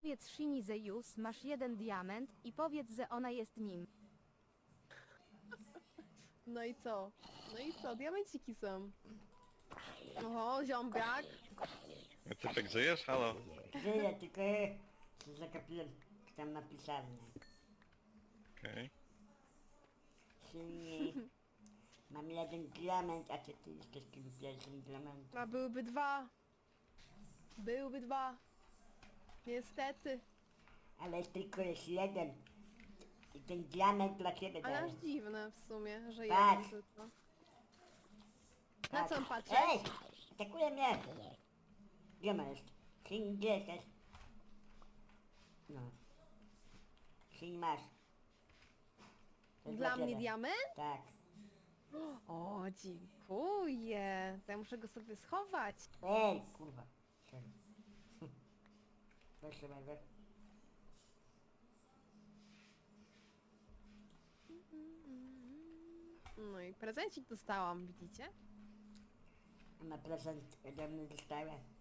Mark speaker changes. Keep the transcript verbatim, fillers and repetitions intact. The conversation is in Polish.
Speaker 1: Powiedz Shini Zeus, masz jeden diament i powiedz, że ona jest nim.
Speaker 2: No i co? No i co? Diamenciki są. Oho, ziombiak.
Speaker 3: Typek, żyjesz? Halo?
Speaker 4: Żyję, tylko ja się zagapiłem tam na pisarnię.
Speaker 3: Okej.
Speaker 4: Silniej. Mam jeden diament, a co ty jesteś tym pierwszym diamentem?
Speaker 2: A byłyby dwa. Byłyby dwa. Niestety.
Speaker 4: Ale tylko jest jeden. I ten diament dla ciebie
Speaker 2: Ale
Speaker 4: daję.
Speaker 2: aż dziwne w sumie, że
Speaker 4: Tak.
Speaker 2: jeden tylko. Na co on patrzy?
Speaker 4: Ej! Atakuje mnie! Gdzie ma jest? Syn, gdzie jesteś? No. Syn masz. To jest
Speaker 2: Dla mnie
Speaker 4: ciebie.
Speaker 2: diament?
Speaker 4: Tak.
Speaker 2: O, dziękuję. To ja muszę go sobie schować.
Speaker 4: Ej, kurwa. Sorry. Proszę bardzo.
Speaker 2: No i prezencik dostałam, widzicie?
Speaker 4: Na prezent ode mnie dostałem.